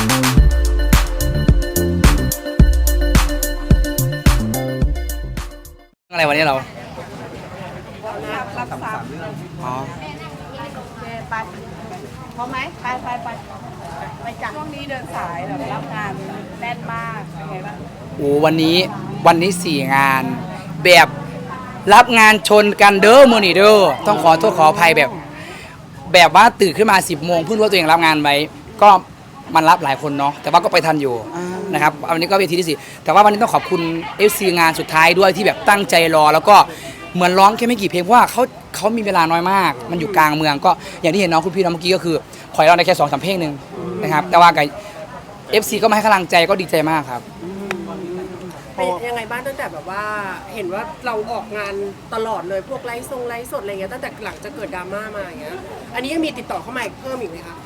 อะไรวันนี้เรารับทราบอ๋อไปพร้อมไหมไปจากช่วงนี้เดินสายแบบรับงานแน่นมากเป็นไงบ้างโอ้วันนี้4 งานแบบรับงานชนกันเด้อมือนี่เด้อต้องขอโทษขออภัยแบบว่าตื่นขึ้นมา10 โมงเพิ่งรู้ว่าตัวเองรับงานไว้ก็มันรับหลายคนเนาะแต่ว่าก็ไปทันอยู่นะครับวันนี้ก็เวทีที่4แต่ว่าวันนี้ต้องขอบคุณ FC งานสุดท้ายด้วยที่แบบตั้งใจรอแล้วก็เหมือนร้องแค่ไม่กี่เพลงเพราะว่าเขามีเวลาน้อยมากมันอยู่กลางเมืองก็อย่างที่เห็นน้องคุณพี่น้องเมื่อกี้ก็คือขอให้เราได้แค่2-3 เพลงนึงนะครับแต่ว่ากับ FC ก็มาให้กำลังใจก็ดีใจมากครับเป็นยังไงบ้างตั้งแต่แบบว่าเห็นว่าเราออกงานตลอดเลยพวกไลฟ์สดอะไรเงี้ยตั้งแต่หลังจะเกิดดราม่ามาอย่างเงี้ยอันนี้ยังมีติดต่อเข้ามาเพิ่มอีกไหมคะ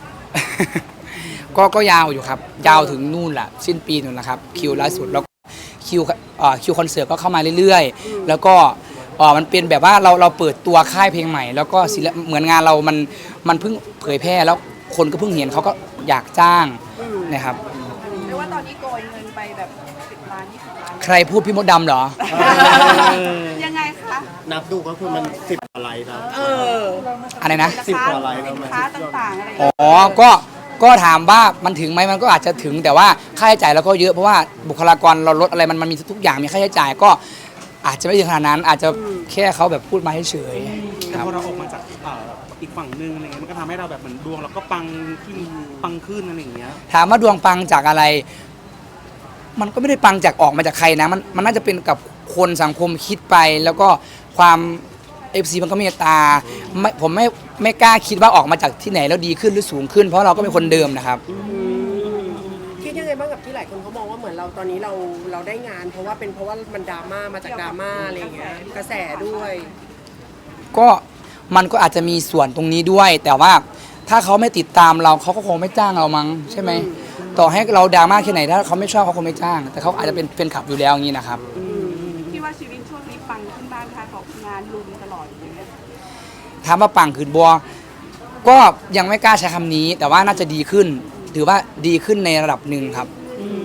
ก็ยาวอยู่ครับยาวถึงนู่นแหละสิ้นปีนู่นแหละครับคิวล่าสุดแล้วคิวคอนเสิร์ตก็เข้ามาเรื่อยๆแล้วก็มันเป็นแบบว่าเราเปิดตัวค่ายเพลงใหม่แล้วก็เหมือนงานเรามันเพิ่งเผยแพร่แล้วคนก็เพิ่งเห็นเขาก็อยากจ้างนะครับเรียกว่าตอนนี้โกยเงินไปแบบ10 ล้าน20 ล้านใครพูดพี่มดดำเหรอยังไงคะนับดูก็คือมัน10 กว่าไลค์ครับอะไรนะ 10 กว่าไลค์สินค้าต่างๆอะไรอ๋อก็ถามว่ามันถึงไหมมันก็อาจจะถึงแต่ว่าค่าใช้จ่ายเราก็เยอะเพราะว่าบุคลากรเราลดอะไรมันมีทุกอย่างมีค่าใช้จ่ายก็อาจจะไม่ถึงขนาดนั้นอาจจะแค่เขาแบบพูดมาเฉยๆแต่พอเราออกมาจากอีกฝั่งนึงอะไรเงี้ยมันก็ทำให้เราแบบเหมือนดวงเราก็ปังขึ้นอะไรอย่างเงี้ยถามว่าดวงปังจากอะไรมันก็ไม่ได้ปังจากออกมาจากใครนะมันน่าจะเป็นกับคนสังคมคิดไปแล้วก็ความFC มันก็เมตตาผมไม่กล้าคิดว่าออกมาจากที่ไหนแล้วดีขึ้นหรือสูงขึ้นเพราะเราก็เป็นคนเดิมนะครับคิดยังไงบ้างกับที่หลายคนเขามองว่าเหมือนเราตอนนี้เราได้งานเพราะว่ามันดราม่ามาจากดราม่าอะไรอย่างเงี้ยกระแสด้วยก็มันก็อาจจะมีส่วนตรงนี้ด้วยแต่ว่าถ้าเขาไม่ติดตามเราเขาก็คงไม่จ้างเรามั้งใช่ไหมต่อให้เราดราม่าแค่ไหนถ้าเขาไม่ชอบเขาคงไม่จ้างแต่เขาอาจจะเป็นแฟนคลับอยู่แล้วอย่างนี้นะครับคิดว่าชีวิตช่วงนี้ปังขึ้นบ้างคะของงานลุมตลอดอย่างเงี้ยถามว่าปังขึ้นบัวก็ยังไม่กล้าใช้คำนี้แต่ว่าน่าจะดีขึ้นถือว่าดีขึ้นในระดับหนึ่งครับ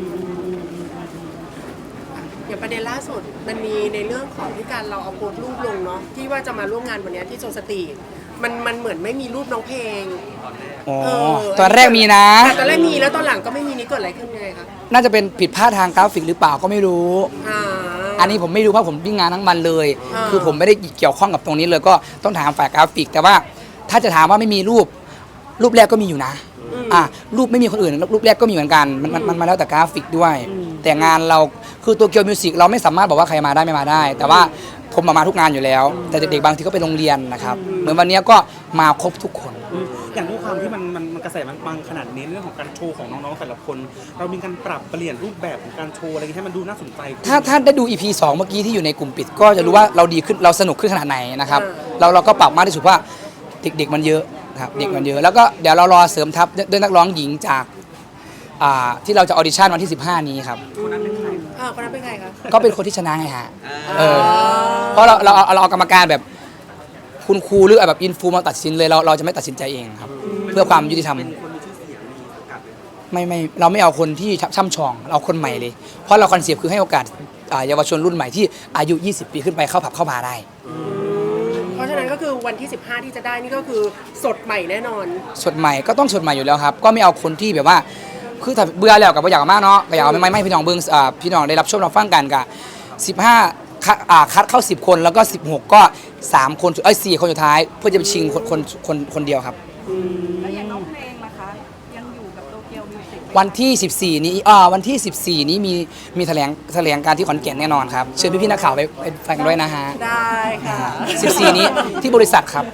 อย่างประเด็นล่าสุดมันมีในเรื่องของที่การเราเอาโพสต์รูปลงเนาะที่ว่าจะมาร่วมงานวันนี้ที่โซสตีมันเหมือนไม่มีรูปน้องเพลงตอนแรกมีนะตอนแรกมีแล้วตอนหลังก็ไม่มีนี่เกิดอะไรขึ้นยังไงคะน่าจะเป็นผิดพลาดทางกราฟิกหรือเปล่าก็ไม่รู้อันนี้ผมไม่รู้เพราะผมวิ่งงานทั้งวันเลยคือผมไม่ได้เกี่ยวข้องกับตรงนี้เลยก็ต้องถามฝ่ายกราฟิกแต่ว่าถ้าจะถามว่าไม่มีรูปแรกก็มีอยู่นะรูปไม่มีคนอื่นรูปแรกก็มีเหมือนกันมันมาแล้วแต่กราฟิกด้วยแต่งานเราคือตัวเกียวมิวสิกเราไม่สามารถบอกว่าใครมาได้ไม่มาได้แต่ว่าผมมาทุกงานอยู่แล้วแต่เด็กๆบางทีก็ไปโรงเรียนนะครับเหมือนวันนี้ก็มาครบทุกคนอย่างด้วยความที่มันกระแสมันปังขนาดนี้เรื่องของการโชว์ของน้องๆแต่ละคนเรามีการปรับเปลี่ยนรูปแบบของการโชว์อะไรให้มันดูน่าสนใจถ้าได้ดู EP 2เมื่อกี้ที่อยู่ในกลุ่มปิดก็จะรู้ว่าเราดีขึ้นเราสนุกขึ้นขนาดไหนนะครับเราก็ปรับมากที่สุดว่าเด็กๆมันเยอะครับเด็กมันเยอะแล้วก็เดี๋ยวเรารอเสริมทัพด้วยนักร้องหญิงจากที่เราจะออดิชั่นวันที่15นี้ครับคนนั้นเป็นใครครับก็เป็นคนที่ชนะไงฮะเพราะเราเอากรรมการแบบคุณครูหรือแบบอินฟูมาตัดสินเลยเราจะไม่ตัดสินใจเองครับเพื่อความยุติธรรมไม่เราไม่เอาคนที่ช่ำชองเราคนใหม่เลยเพราะเราคอนเซปต์คือให้โอกาสเยาวชนรุ่นใหม่ที่อายุ20 ปีขึ้นไปเข้าผับเข้าบาร์ได้เพราะฉะนั้นก็คือวันที่15ที่จะได้นี่ก็คือสดใหม่แน่นอนสดใหม่ก็ต้องสดใหม่อยู่แล้วครับก็ไม่เอาคนที่แบบว่าคือถ้าเบื่อแล้วกับอยากมากเนาะก็อยากไม่พี่น้องเบิ้งพี่น้องได้รับชมรับฟังกันกับ15คัดเข้า10 คนแล้วก็16ก็3 คน4 คนสุดท้ายเพื่อจะไปชิงคนเดียวครับแล้วอย่างน้องเพลงนะคะยังอยู่กับโตเกียวมิวสิกวันที่14นี้วันที่14นี้มีแถลงการที่ขอนแก่นแน่นอนครับเชิญพี่ๆนักข่าวไปฟังด้วยนะฮะได้ค่ะ 14นี้ที่บริษัทครับ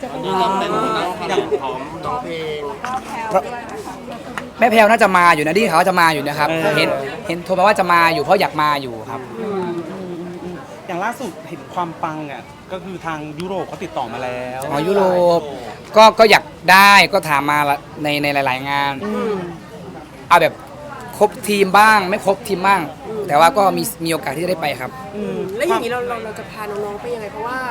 น้องเพลงแม่แพลวน่าจะมาอยู่นะที่เขาจะมาอยู่นะครับเห็นโทรมาว่าจะมาอยู่เพราะอยากมาอยู่ครับอย่างล่าสุดเห็นความปังอ่ะก็คือทางยุโรปเขาติดต่อมาแล้วยุโรปก็อยากได้ก็ถามมาในหลายๆงานเอาแบบครบทีมบ้างไม่ครบทีมบ้างแต่ว่าก็มีโอกาสที่จะได้ไปครับแล้วอย่างนี้เราจะพาน้องๆไปยังไงเพราะว่า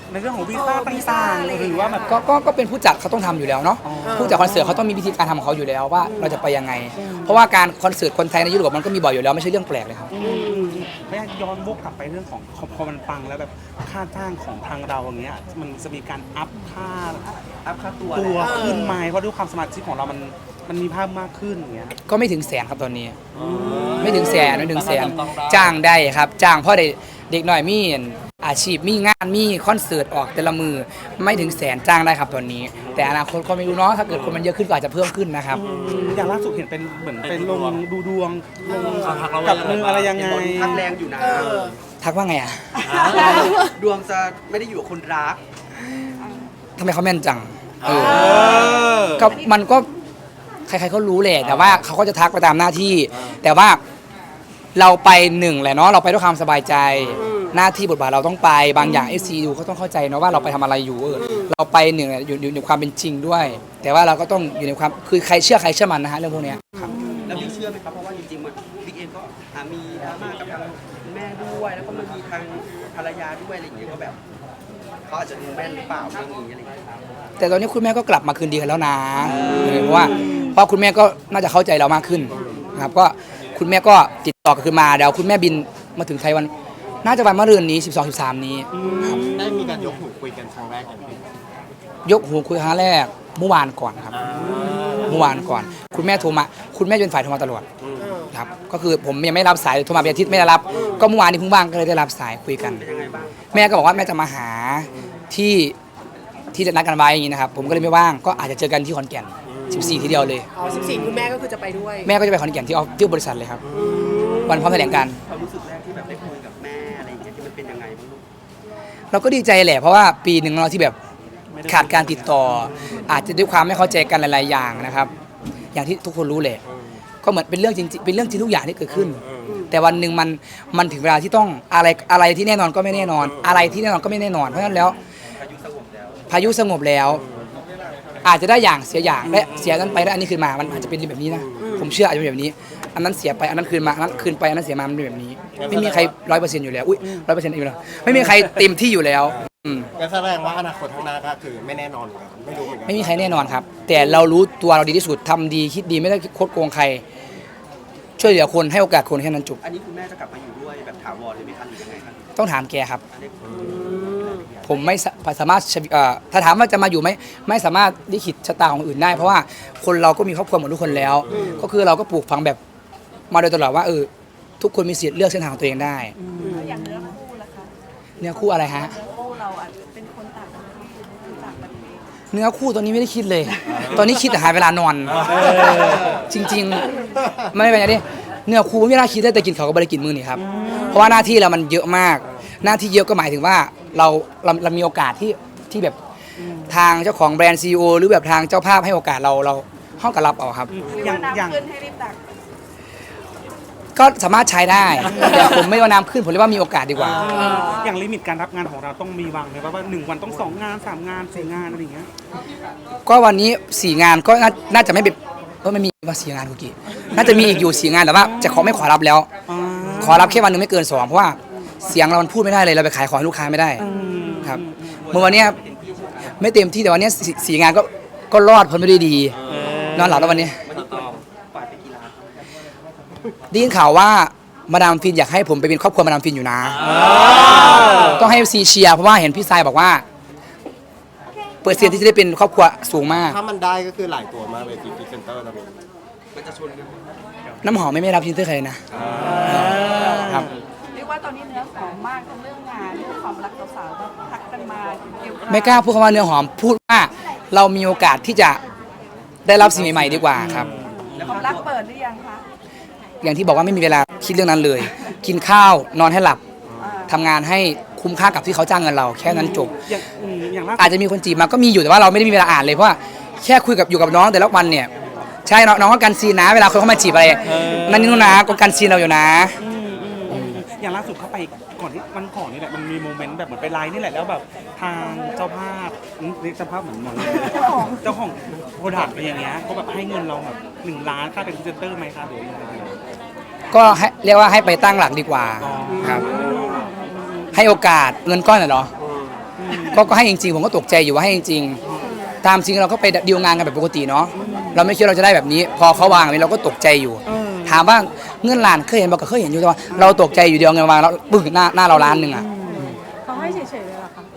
ในเรื่องของวีซ่าต่างๆหรือว่าแบบก็เป็นผู้จัดเขาต้องทำอยู่แล้วเนาะอ๋อผู้จัดคอนเสิร์ตเขาต้องมีวิธีการทำของเขาอยู่แล้วว่าเราจะไปยังไง เพราะว่าการคอนเสิร์ตคนไทยในยุโรปมันก็มีบ่อยอยู่แล้วไม่ใช่เรื่องแปลกเลยครับไม่ย้อนวกกลับไปเรื่องของพอมันปังแล้วแบบค่าจ้างของทางเราอย่างเงี้ยมันจะมีการอัพค่าตัวขึ้นไหมเพราะด้วยความสมาชิกของเรามันมีภาพมากขึ้นอย่างเงี้ยก็ไม่ถึงแสนครับตอนนี้ ไม่ถึงแสนจ้างได้ครับจ้างเพราะเด็กหน่อยมีอาชีพมีงานมีคอนเสิร์ตออกแต่ละมือไม่ถึงแสนจ้างได้ครับตอนนี้ แต่อนาคตก็ไม่รู้เนาะถ้าเกิดคนมันเยอะขึ้นก็อาจจะเพิ่มขึ้นนะครับอย่างล่าสุดเห็นเป็นเหมือนเป็นลงดูดวงกับมืออะไรยังไงทักแรงอยู่นะทักว่าไงอ่ะดวงจะไม่ได้อยู่กับคนรักทำไมเขาแม่นจังเออก็มันก็ใครๆก็รู้แหละแต่ว่าเขาก็จะทักไปตามหน้าที่ แต่ว่าเราไปหนึ่งแหละเนาะเราไปด้วยความสบายใจ หน้าที่บทบาทเราต้องไปบางอย่างFC ดูเขาต้องเข้าใจเนาะว่าเราไปทำอะไรอยู่เราไปหนึ่งอยู่ในความเป็นจริงด้วย แต่ว่าเราก็ต้องอยู่ในความคือใครเชื่อมันนะฮะเรื่องพวกเนี้ยแล้วบิ๊กเชื่อไหมครับ เพราะว่าจริงๆมันบิ๊กเองก็มีดราม่ากับทางแม่ด้วย แล้วก็มันมีทางภรรยาด้วยอะไรอย่างเงี้ยก็แบบเขาอาจจะดูแม่นหรือเปล่าเรื่องนี้อะไรอย่างเงี้ยแต่ตอนนี้คุณแม่ก็กลับมาคืนดีกันแล้วนะเพราะว่าคุณแม่ก็น่าจะเข้าใจเรามากขึ้นนะครับก็คุณแม่ก็ติดต่อกลับคืนมาเดี๋ยวคุณแม่บินมาถึงไทยวันน่าจะวันมะรืนนี้12-13นี้ครับได้มีการยกหูคุยกันครั้งแรกอย่างพี่ยกหูคุยครั้งแรกเมื่อวานก่อนครับเมื่อวานก่อน คุณแม่โทรมาคุณแม่เป็นฝ่ายโทรมาตลอดครับก็คือผมยังไม่รับสายโทรมาเป็นอาทิตย์ไม่ได้รับก็เมื่อวานนี้เพิ่งว่างก็เลยได้รับสายคุยกันเป็นยังไงบ้างแม่ก็บอกว่าแม่จะมาหาที่จะนัดกันไว้อย่างนี้นะครับผมก็เลยไม่ว่างก็อาจจะเจอกันที่ขอนแก่น14ทีเดียวเลยอ๋อ14คุณแม่ก็คือจะไปด้วยแม่ก็จะไปขอนแก่นที่บริษัทเลยครับวันพร้อมแถลงการณ์ความรู้สึกแรกที่แบบได้คุยกับแม่อะไรอย่างเงี้ยที่มันเป็นยังไงบ้างลูกเราก็ดีใจแหละเพราะว่าปีหนึ่งเราที่แบบขาดการติดต่อ อาจจะด้วยความไม่เข้าใจกันหลายๆอย่างนะครับ อย่างที่ทุกคนรู้แหละก็เหมือนเป็นเรื่องจริงเป็นเรื่องจริงทุกอย่างที่เกิดขึ้น แต่วันหนึ่งมันถึงเวลาที่ต้องอะไรที่แน่นอนก็ไม่แน่นอน อะไรที่แน่นอนก็ไม่แน่นอนเพราะฉะนั้นแล้วพายุสงบแล้ว อาจจะได้อย่างเสียอย่างและเสียนั้นไปแล้วอันนี้คืนมามันอาจจะเป็นแบบนี้นะผมเชื่ออาจจะเป็นแบบนี้ อันนั้นเสียไปอันนั้นคืนมาอันนั้นคืนไปอันนั้นเสียมามันเป็นแบบนี้ ไม่มีใคร100%อยู่แล้วอุ้ย100%อยู่แล้วไม่มีใครเต็มที่อยู่แล้วก็แสดงว่าอนาคตข้างหน้าก็คือไม่แน่นอนเหมือนกันไม่รู้เหมือนกันไม่มีใครแน่นอนครับ แต่เรารู้ตัวเราดีที่สุดทำดีคิดดีไม่ได้โคดโกงใคร ช่วยเหลือคนให้โอกาสคนแค่นั้นจบอันนี้คุณแม่จะกลับมาอยู่ด้วยแบบถาวรเลยไหมคะหรือยังไงครับต้องถามแกครับอันนี้ผมไม่สามารถถ้าถามว่าจะมาอยู่ไหมไม่สามารถลิขิตชะตาของอื่นได้ เพราะว่าคนเราก็มีครอบครัวเหมือนทุกคนแล้ว ก็คือเราก็ปลูกฝังแบบมาโดยตลอดว่าทุกคนมีสิทธิ์เลือกเส้นทางของตัวเองได้อย่างเนื้อคู่ล่ะคะเนื้อคู่อะไรฮะเนื้อคู่เราอาจจะเป็นคนต่างประเทศคนต่างประเทศเนื้อคู่ตอนนี้ไม่ได้คิดเลย ตอนนี้คิดแต่หาเวลานอน จริงๆ ไม่เป็นไรดิเนื้อคู่ไม่น่าคิดได้แต่กินเขาวก็ไม่ได้กินมือนี่ครับ เพราะว่าหน้าที่เรามันเยอะมาก หน้าที่เยอะก็หมายถึงว่าเรามีโอกาสที่แบบทางเจ้าของแบรนด์ CEO หรือแบบทางเจ้าภาพให้โอกาสเราห้องกับรับเอาครับหรือว่าน้ำขึ้นให้รีบตักก็สามารถใช้ได้ แต่ผมไม่ว่าน้ำขึ้นผมเรียกว่ามีโอกาสดีกว่าอย่างลิมิตการรับงานของเราต้องมีวางไหมว่า1 วันต้อง2 งาน 3 งาน 4 งานอะไรอย่างเงี้ยก็วันนี้4 งานก็น่าจะไม่เป็นไม่มีว่า4 งานคุกี้น่าจะมีอีกอยู่4 งานแต่ว่าจะไม่ขอรับแล้ว ขอรับแค่วันหนึงไม่เกิน2เพราะว่าเสียงเรามันพูดไม่ได้เลยเราไปขายของให้ลูกค้าไม่ได้ครับเมื่อวันเนี้ยไม่เต็มที่แต่วันเนี้ย4 งานก็รอดพ้นไม่ได้ดีนอนหลับแล้ววันนี้วันนี้ปล่อยไปกี่ล้านได้ยินข่าวว่ามาดามฟินอยากให้ผมไปเป็นครอบครัวมาดามฟินอยู่นะต้องให้ซีเชียร์เพราะว่าเห็นพี่ทรายบอกว่าเปอร์เซ็นต์ที่จะได้เป็นครอบครัวสูงมากถ้ามันได้ก็คือหลายตัวมากเลยที่พรีเซนเตอร์ตอนนี้มันจะชนกันน้ำหอมไม่รับพรีเซนเตอร์ใครเลยนะครับเรียกว่าตอนนี้เนื้อหอมมากทั้งเรื่องงานเรื่องความรักสาวๆก็ทักกันมาเกี่ยวกับไม่กล้าพูดคำว่าเนื้อหอมพูดว่าเรามีโอกาสที่จะได้รับสิ่งใหม่ๆดีกว่าครับความรักเปิดหรือยังคะอย่างที่บอกว่าไม่มีเวลาคิดเรื่องนั้นเลย กินข้าวนอนให้หลับทำงานให้คุ้มค่ากับที่เขาจ้างเงินเราแค่นั้นจบอย่างล่าสุดอาจจะมีคนจีบมาก็มีอยู่แต่ว่าเราไม่ได้มีเวลาอ่านเลยเพราะว่าแค่คุยอยู่กับน้องแต่ละวันเนี่ยใช่น้องก็กันซีนนะเวลาคนเข้ามาจีบอะไรนั่นนี่นู่นนะก็กันซีนเราอยู่นะอย่างล่าสุดเข้าไปก่อนที่วันก่อนนี่แหละมันมีโมเมนต์แบบเหมือนไปไลน์นี่แหละแล้วแบบทางเจ้าภาพเรียกเจ้าภาพเหมือนเจ้าของโปรดักต์อะไรอย่างเงี้ยเขาแบบให้เงินเราแบบ1 ล้านค่าเป็นพรีเซนเตอร์ไหมคะหรือยังไงก็เรียกว่าให้ไปตั้งหลักดีกว่าครับให้โอกาสเงินก้อนน่ะเหรอก็ให้จริงๆผมก็ตกใจอยู่ว่าให้จริงๆตามจริงเราก็ไปดีลงานกันแบบปกติเนาะเราไม่คิดเราจะได้แบบนี้ พอเขาวางแบบนี้เราก็ตกใจอยู่ ถามว่าเงินล้านเคยเห็นบอกก็เคยเห็นอยู่แต่ว่าเราตกใจอยู่เดียวเงินวางแล้วปึ้งหน้าเราล้านหนึ่งอ่ะเขาให้เฉยๆเลยเหรอคะ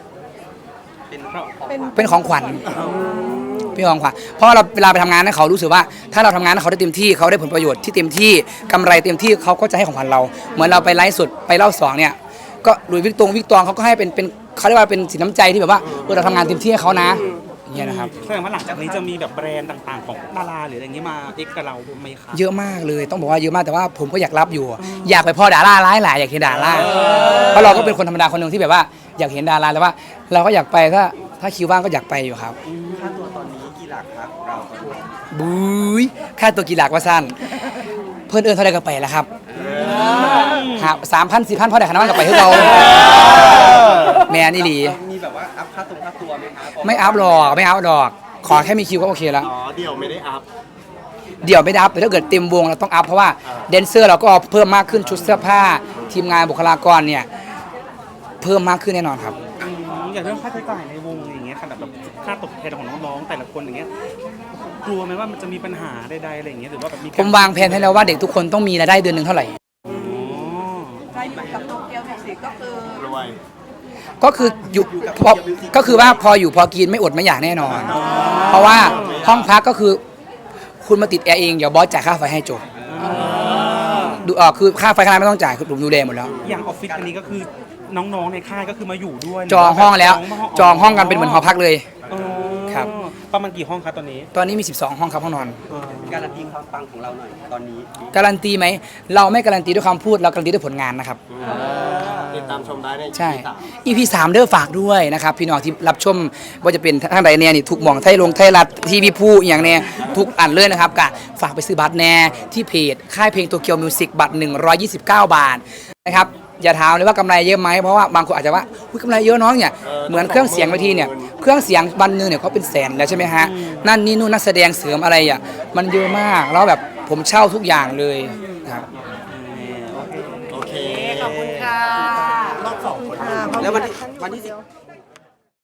เป็นของขวัญเป็นของขวัญเพราะเราเวลาไปทำงานให้เขารู้สึกว่าถ้าเราทำงานให้เขาได้เต็มที่เขาได้ผลประโยชน์ที่เต็มที่กำไรเต็มที่เขาก็จะให้ของขวัญเราเหมือนเราไปไลฟ์สดไปเล่าสองเนี่ยก็หลุยส์วิกตองเขาก็ให้เป็นเขาเรียกว่าเป็นสินน้ำใจที่แบบว่าเราทำงานเต็มที่ให้เขานะอย่างเงี้ยนะครับแสดงว่าหลังจากนี้จะมีแบบแบรนด์ต่างๆ ของดาราหรืออะไรอย่างนี้มาเอ็กกับเราไหมคะเยอะมากเลยต้องบอกว่าเยอะมากแต่ว่าผมก็อยากรับอยู่ อยากไปพ่อดาราร้ายหลายอยากเห็นดาราเพราะเราก็เป็นคนธรรมดาคนหนึ่งที่แบบว่าอยากเห็นดาราแต่ว่าเราก็อยากไปถ้าคิวว่างก็อยากไปอยู่ครับค่าตัวตอนนี้กี่หลักครับเราตอนนี้บุ้ยค่าตัวกี่หลักว่าสั้นเพื่อนเอิญเท่าไรก็ไปแล้วครับหา3,000 4,000พ่อได้ขนาดนั้นก็ไปให้เราแมนนี่หลีมีแบบว่าอัพค่าตัวไหมคะไม่อัพหรอกไม่อัพหรอกขอแค่มีคิวก็โอเคแล้วอ๋อเดี่ยวไม่ได้อัพเดี๋ยวไม่ได้อัพแต่ถ้าเกิดเต็มวงเราต้องอัพเพราะว่าแดนเซอร์เราก็เพิ่มมากขึ้นชุดเสื้อผ้าทีมงานบุคลากรเนี่ยเพิ่มมากขึ้นแน่นอนครับอย่างเรื่องค่าใช้จ่ายในวงอย่างเงี้ยขนาดแบบค่าตกแทนของน้องๆแต่ละคนอย่างเงี้ยกลัวไหมว่ามันจะมีปัญหาใดๆอะไรอย่างเงี้ยหรือว่าแบบมีผมวางแผนให้แล้วว่าเด็กทุกคนต้องมีรายได้เดือนหนึ่งเท่าไหร่อ๋อใช่อยู่กับโตเกียวมิวสิกก็คือรวยก็คืออยู่ก็คือว่าพออยู่พอกินไม่อดไม่อยากแน่นอน เพราะว่าห้องพักก็คือคุณมาติดแอร์เองเดี๋ยวบอสจ่ายค่าไฟให้จบดูคือค่าไฟค่าน้ำไม่ต้องจ่ายคือผมดูแลหมดแล้วอย่างออฟฟิศอันนี้ก็คือน้องๆในค่ายก็คือมาอยู่ด้วยจองห้องแล้วจองห้องกันเป็นเหมือนหอพักเลยอ๋อครับประมาณกี่ห้องครับตอนนี้ตอนนี้มี 12 ห้องครับห้องนอนการันตีความปังของเราหน่อยตอนนี้การันตีไหมเราไม่การันตีด้วยคำพูดเราการันตีด้วยผลงานนะครับติดตามชมได้ในใช่ EP 3 EP 3เด้อฝากด้วยนะครับพี่น้องที่รับชมว่าจะเป็นทางใดเนี่ยนี่ทุกหม่องไทยลงไทยรัฐทีวีพูอย่างเนี่ยทุกอันเลยนะครับกะฝากไปซื้อบัตรแน่ที่เพจค่ายเพลงโตเกียวมิวสิกบัตร129 บาทนะครับอย่าถามเลยว่ากำไรเยอะไหมเพราะว่าบางคนอาจจะว่าอุ๊ยกำไรเยอะน้องเนี่ยเหมือนเครื่องเสียงเวทีเนี่ยเครื่องเสียงวันหนึงเนี่ยเขาเป็นแสนแล้วใช่ไหมฮะนั่นนี่นู่นนักแสดงเสริมอะไรอ่ะมันเยอะมากแล้วแบบผมเช่าทุกอย่างเลยครับโอเคขอบคุณค่ะแล้ววันที่10